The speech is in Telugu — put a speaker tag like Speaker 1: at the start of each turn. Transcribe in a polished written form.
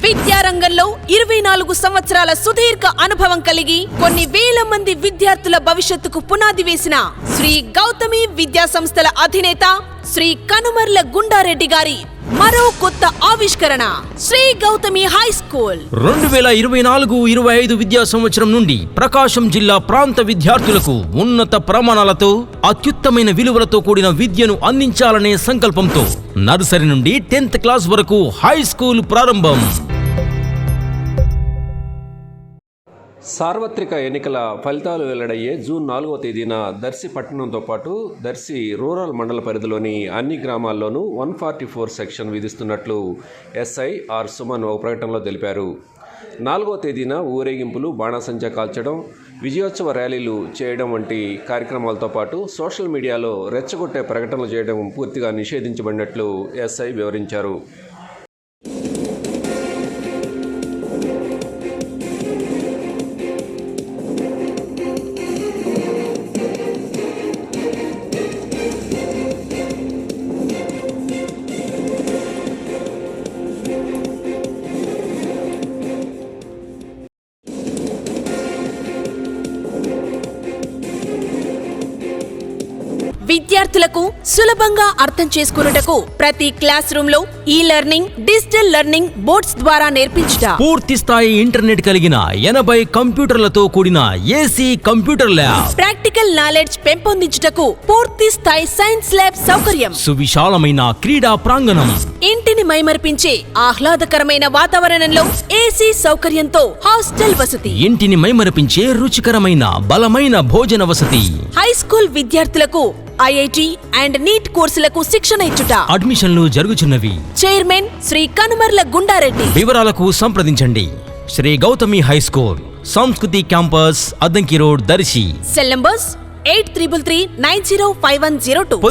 Speaker 1: విద్యారంగంలో 24 సంవత్సరాల సుదీర్ఘ అనుభవం కలిగి కొన్ని వేల మంది విద్యార్థుల భవిష్యత్తుకు పునాది వేసిన శ్రీ గౌతమి విద్యా సంస్థల అధినేత శ్రీ కనుమర్ల గుండారెడ్డి గారి మరో కొత్త ఆవిష్కరణ శ్రీ గౌతమి హై స్కూల్
Speaker 2: 2024-25 విద్యా సంవత్సరం నుండి ప్రకాశం జిల్లా ప్రాంత విద్యార్థులకు ఉన్నత ప్రమాణాలతో అత్యుత్తమైన విలువలతో కూడిన విద్యను అందించాలనే సంకల్పంతో నర్సరీ నుండి 10th క్లాస్ వరకు హై స్కూల్ ప్రారంభం.
Speaker 3: సార్వత్రిక ఎన్నికల ఫలితాలు వెల్లడయ్యే జూన్ 4వ తేదీన దర్శి పట్టణంతో పాటు దర్శి రూరల్ మండల పరిధిలోని అన్ని గ్రామాల్లోనూ 144 సెక్షన్ విధిస్తున్నట్లు ఎస్ఐ ఆర్ సుమన్ ఒక ప్రకటనలో తెలిపారు. 4వ తేదీన ఊరేగింపులు, బాణాసంచా కాల్చడం, విజయోత్సవ ర్యాలీలు చేయడం వంటి కార్యక్రమాలతో పాటు సోషల్ మీడియాలో రెచ్చగొట్టే ప్రకటనలు చేయడం పూర్తిగా నిషేధించబడినట్లు ఎస్ఐ వివరించారు.
Speaker 1: విద్యార్థులకు సులభంగా అర్థం చేసుకున్నటకు ప్రతి క్లాస్ రూమ్ లో ఈ లెర్నింగ్, డిజిటల్ లెర్నింగ్ బోర్డ్స్ ద్వారా నేర్పించుట,
Speaker 2: పూర్తి స్థాయి ఇంటర్నెట్ కలిగిన 80 కంప్యూటర్లతో కూడిన AC computer lab,
Speaker 1: practical knowledge పెంపొందించుటకు పూర్తి స్థాయి సైన్స్ ల్యాబ్ సౌకర్యం,
Speaker 2: సువిశాలమైన క్రీడా ప్రాంగణం,
Speaker 1: ఇంటిని మైమర్పించే ఆహ్లాదకరమైన వాతావరణంలో ఏసీ సౌకర్యంతో హాస్టల్ వసతి,
Speaker 2: ఇంటిని మైమరపించే రుచికరమైన బలమైన భోజన వసతి,
Speaker 1: హై స్కూల్ విద్యార్థులకు ఐఐటి అండ్ నీట్ కోర్సులకు శిక్షణ ఇచ్చుట.
Speaker 2: అడ్మిషన్లు జరుగుచున్నవి.
Speaker 1: చైర్మన్ శ్రీ కనుమర్ల గుండారెడ్డి.
Speaker 2: వివరాలకు సంప్రదించండి. Shri Gautami high school, Samskruthi campus, Addanki road, Darsi.
Speaker 1: Cell numbers 8333905102.